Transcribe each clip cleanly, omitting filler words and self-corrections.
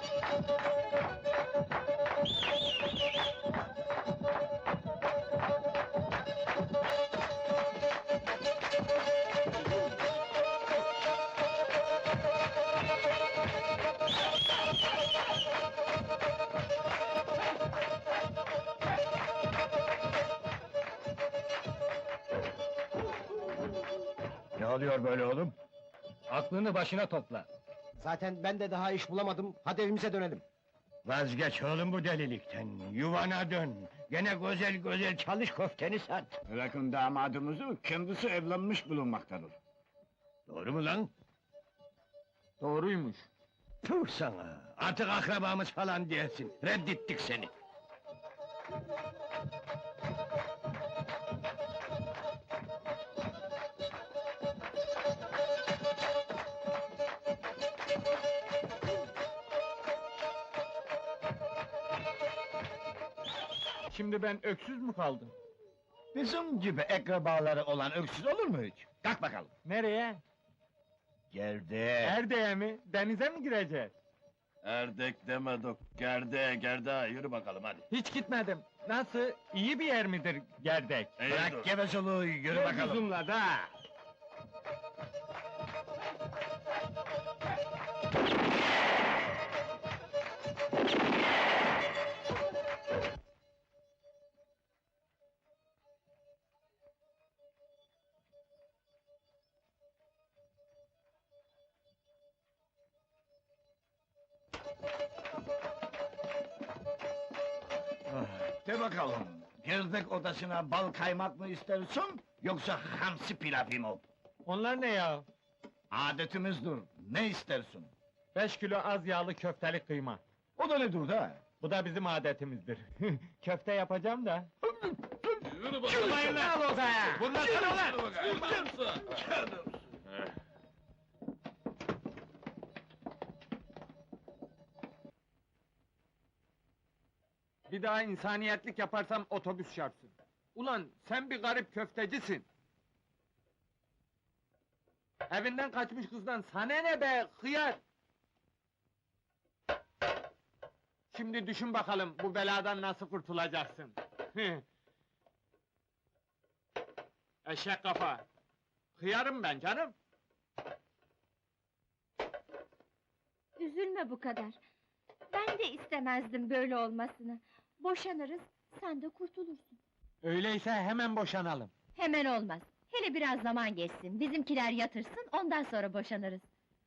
Ne oluyor böyle oğlum? Aklını başına topla. Zaten ben de daha iş bulamadım, hadi evimize dönelim. Vazgeç oğlum bu delilikten, yuvana dön. Gene güzel güzel çalış, köfteni sat. Bırakın damadımızı, kendisi evlenmiş bulunmaktadır. Doğru mu lan? Doğruymuş. Tüh sana! Artık akrabamız falan diyesin, reddettik seni. Şimdi ben öksüz mü kaldım? Bizim gibi akrabaları olan öksüz olur mu hiç? Kalk bakalım. Nereye? Geldi. Erdeğe mi? Denize mi gireceğiz? Erdek demedik, gerde, yürü bakalım hadi. Hiç gitmedim. Nasıl? İyi bir yer midir Gerdek? Bırak gevezeliği, yürü bakalım. Kuzumla da! De bakalım, gerdek odasına bal kaymak mı istersin, yoksa hamsi pilavı mı? Onlar ne ya? Adetimizdir, ne istersin? 5 kilo az yağlı köfteli kıyma. O da nedir da? Bu da bizim adetimizdir. Köfte yapacağım da. Çıkmayın lan! Al odaya! Fırlasana lan! Bir daha insaniyetlik yaparsam otobüs çarpsın. Ulan sen bir garip köftecisin. Evinden kaçmış kızdan sana ne be hıyar! Şimdi düşün bakalım bu beladan nasıl kurtulacaksın. Eşek kafa! Hıyarım ben canım! Üzülme bu kadar. Ben de istemezdim böyle olmasını. Boşanırız, sen de kurtulursun. Öyleyse hemen boşanalım. Hemen olmaz. Hele biraz zaman geçsin, bizimkiler yatırsın, ondan sonra boşanırız.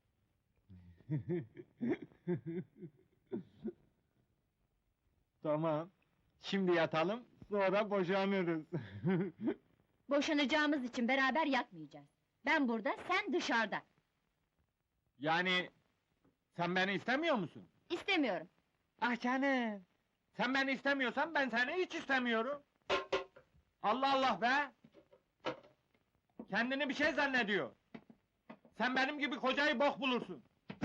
Tamam. Şimdi yatalım, sonra boşanırız. Boşanacağımız için beraber yatmayacağız. Ben burada, sen dışarıda. Yani... Sen beni istemiyor musun? İstemiyorum. Ah canım! Sen beni istemiyorsan ben seni hiç istemiyorum. Allah Allah be! Kendini bir şey zannediyor. Sen benim gibi kocayı bok bulursun.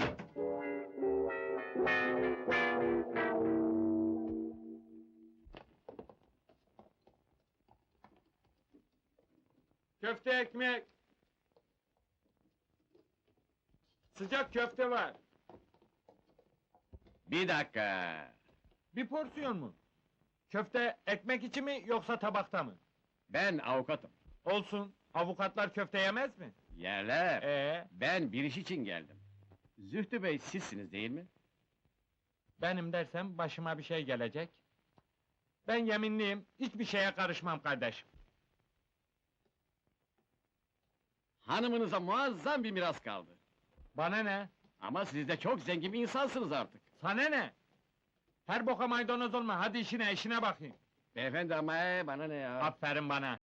Köfte ekmek. Sıcak köfte var. Bir dakika. Bir porsiyon mu? Köfte ekmek içi mi yoksa tabakta mı? Ben avukatım. Olsun. Avukatlar köfte yemez mi? Yerler. Ben Bir iş için geldim. Zühtü Bey sizsiniz değil mi? benim dersem başıma bir şey gelecek. Ben yeminliyim, hiçbir şeye karışmam kardeşim. Hanımınıza muazzam bir miras kaldı. Bana ne? Ama siz de çok zengin bir insansınız artık. Sana ne? Her boka maydanoz olma, hadi işine bakayım. Beyefendi ama bana ne ya? Aferin bana.